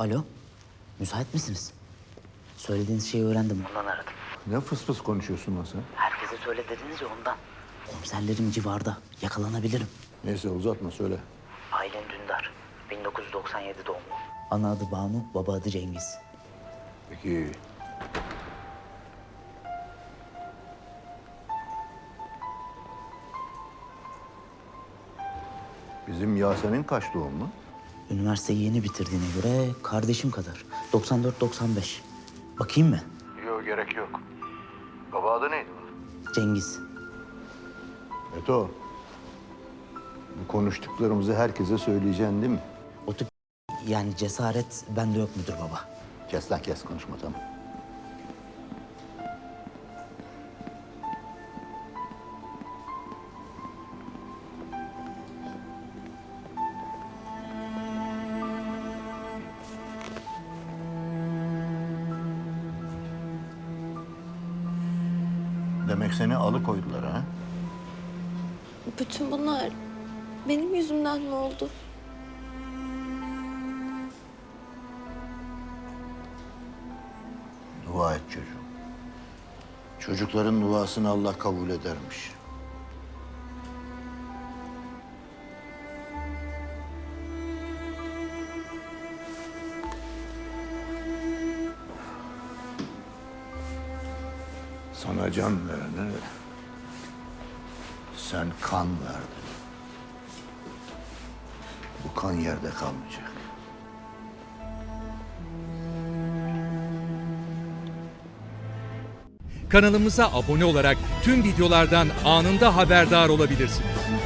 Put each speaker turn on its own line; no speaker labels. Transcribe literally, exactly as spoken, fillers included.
Alo, müsait misiniz? Söylediğiniz şeyi öğrendim, ondan aradım.
Ne fıs fıs konuşuyorsun lan sen?
Herkese söyle dediniz ya ondan. Komiserlerim civarda, yakalanabilirim.
Neyse uzatma söyle.
Aylin Dündar, bin dokuz yüz doksan yedi doğumlu. Ana adı Banu, baba adı Cengiz.
Peki bizim Yasemin kaç doğumlu?
Üniversiteyi yeni bitirdiğine göre kardeşim kadar. doksan dört doksan beş. Bakayım mı?
Yok gerek yok. Baba adı neydi?
Cengiz.
Beto. Bu konuştuklarımızı herkese söyleyeceksin değil mi?
O tip yani cesaret bende yok müdür baba.
Kes lan kes konuşma tamam. Demek seni alıkoydular ha?
Bütün bunlar benim yüzümden mi oldu?
Dua et çocuğum. Çocukların duasını Allah kabul edermiş. Sana can verene sen kan verdin. Bu kan yerde kalmayacak.
Kanalımıza abone olarak tüm videolardan anında haberdar olabilirsiniz.